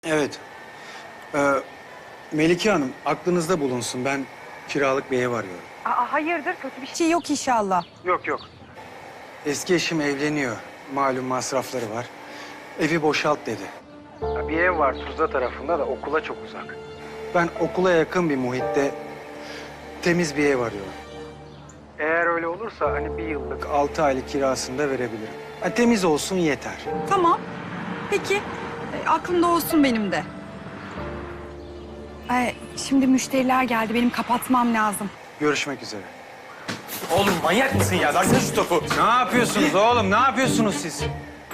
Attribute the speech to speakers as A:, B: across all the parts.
A: Evet. Ee, Melike Hanım, aklınızda bulunsun. Ben kiralık bir ev arıyorum.
B: Hayırdır, kötü bir şey yok inşallah.
A: Yok yok. Eski eşim evleniyor. Malum masrafları var. Evi boşalt dedi. Bir ev var Tuzla tarafında da okula çok uzak. Ben okula yakın bir muhitte temiz bir ev arıyorum. Eğer öyle olursa hani bir yıllık 6 aylık kirasını da verebilirim. Temiz olsun yeter.
B: Tamam. Peki, aklımda olsun benim de. Şimdi müşteriler geldi, benim kapatmam lazım.
A: Görüşmek üzere.
C: Oğlum manyak mısın ya? Versene şu topu.
A: Ne yapıyorsunuz oğlum? Ne yapıyorsunuz siz?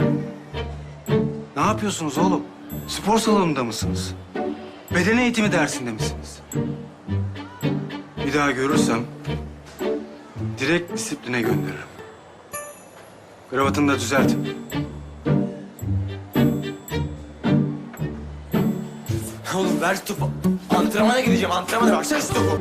A: Ne yapıyorsunuz oğlum? Spor salonunda mısınız? Beden eğitimi dersinde misiniz? Bir daha görürsem direkt disipline gönderirim. Kravatını da düzelt.
C: Oğlum ver şu topu. Antrenmana gideceğim. Antrenmana versene şu topu.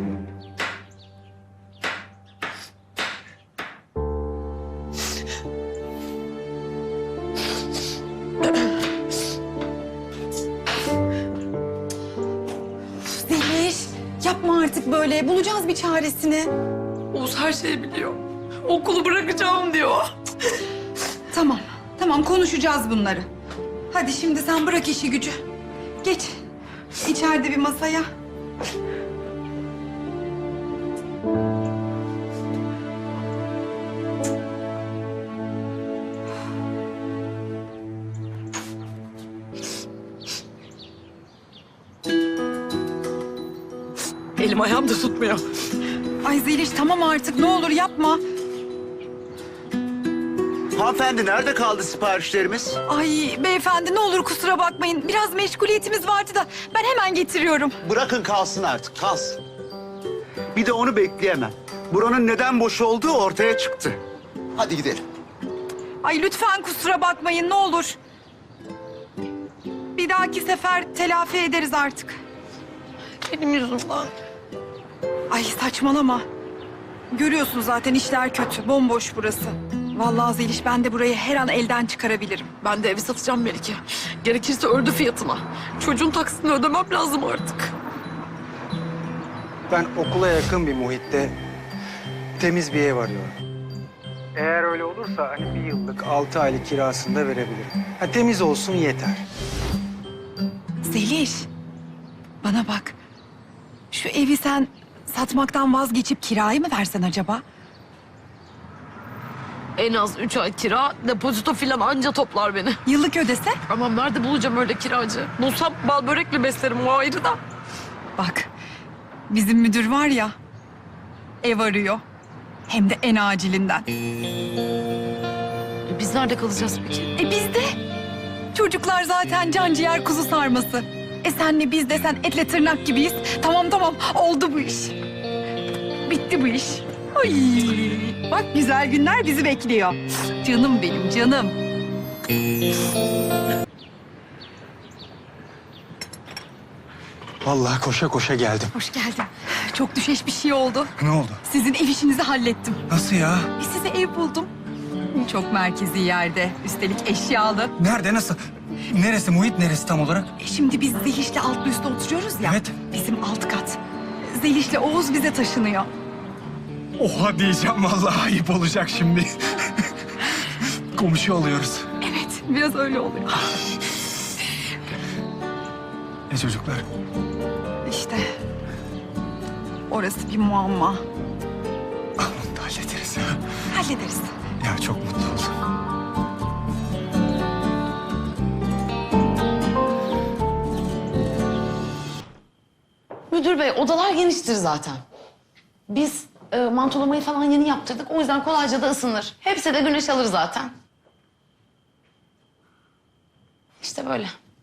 B: Zeliş, yapma artık böyle. Bulacağız bir çaresini.
D: Oğuz her şeyi biliyor. Okulu bırakacağım diyor.
B: Tamam, tamam konuşacağız bunları. Hadi şimdi sen bırak işi gücü. Geç, içeride bir masaya.
D: Elim ayağım da tutmuyor.
B: Ay Zeliş tamam artık ne olur yapma.
E: Hanımefendi nerede kaldı siparişlerimiz?
B: Ay beyefendi ne olur kusura bakmayın. Biraz meşguliyetimiz vardı da ben hemen getiriyorum.
E: Bırakın kalsın artık, kalsın. Bir de onu bekleyemem. Buranın neden boş olduğu ortaya çıktı. Hadi gidelim.
B: Ay lütfen kusura bakmayın ne olur. Bir dahaki sefer telafi ederiz artık.
D: Benim yüzümden.
B: Ay saçmalama. Görüyorsun zaten işler kötü. Bomboş burası. Vallahi Zeliş ben de burayı her an elden çıkarabilirim.
D: Ben de evi satacağım Melike. Gerekirse ördü fiyatına. Çocuğun taksitini ödemem lazım artık.
A: Ben okula yakın bir muhitte temiz bir ev arıyorum. Eğer öyle olursa hani bir yıllık 6 aylık kirasını da verebilirim. Temiz olsun yeter.
B: Zeliş bana bak. Şu evi sen satmaktan vazgeçip kiraya mı versen acaba?
D: En az 3 ay kira, depozito filan anca toplar beni.
B: Yıllık ödese?
D: Ama nerede bulacağım öyle kiracı? Bulsam bal börekle beslerim o ayrı da.
B: Bak bizim müdür var ya ev arıyor. Hem de en acilinden.
D: Biz nerede kalacağız peki?
B: Biz de. Çocuklar zaten can ciğer kuzu sarması. Senle biz de sen etle tırnak gibiyiz. Tamam tamam oldu bu iş. Bitti bu iş. Ay, bak güzel günler bizi bekliyor. Canım benim canım.
A: Vallahi koşa koşa geldim.
B: Hoş geldin. Çok düşeş bir şey oldu.
A: Ne oldu?
B: Sizin ev işinizi hallettim.
A: Nasıl ya?
B: Size ev buldum. Çok merkezi yerde. Üstelik eşyalı.
A: Nerede, nasıl? Neresi, muhit neresi tam olarak?
B: Şimdi biz Zeliş'le altlı üstte oturuyoruz ya.
A: Evet.
B: Bizim alt kat. Zeliş'le Oğuz bize taşınıyor.
A: Oha diyeceğim vallahi ayıp olacak şimdi. Komşu oluyoruz.
B: Evet, biraz öyle oluyor.
A: Çocuklar?
B: İşte orası bir muamma.
A: Onu da hallederiz ya.
B: Hallederiz.
A: Ya çok mutlu oldum.
F: Müdür bey, odalar geniştir zaten. Biz mantolamayı falan yeni yaptırdık. O yüzden kolayca da ısınır. Hepsi de güneş alır zaten. İşte böyle.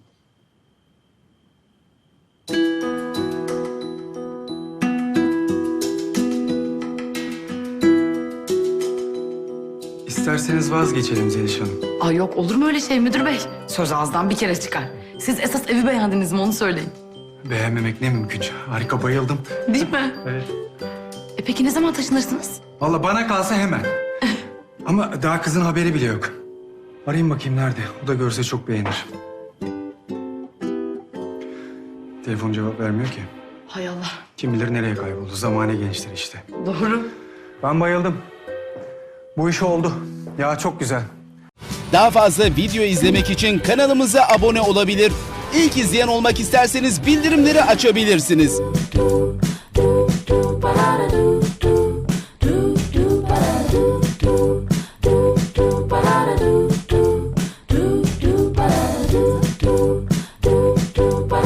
A: İsterseniz vazgeçelim Zeliş Hanım.
F: Ay yok, olur mu öyle şey müdür bey? Söz ağızdan bir kere çıkar. Siz esas evi beğendiniz mi onu söyleyin.
A: Beğenmemek ne mümkün. Harika, bayıldım.
F: Değil mi?
A: Evet.
F: Peki ne zaman taşınırsınız?
A: Vallahi bana kalsa hemen. Ama daha kızın haberi bile yok. Arayayım bakayım nerede. O da görse çok beğenir. Telefon cevap vermiyor ki.
F: Hay Allah.
A: Kim bilir nereye kayboldu. Zamane gençler işte.
F: Doğru.
A: Ben bayıldım. Bu iş oldu. Ya çok güzel.
G: Daha fazla video izlemek için kanalımıza abone olabilir. İlk izleyen olmak isterseniz bildirimleri açabilirsiniz.
H: do do ba da do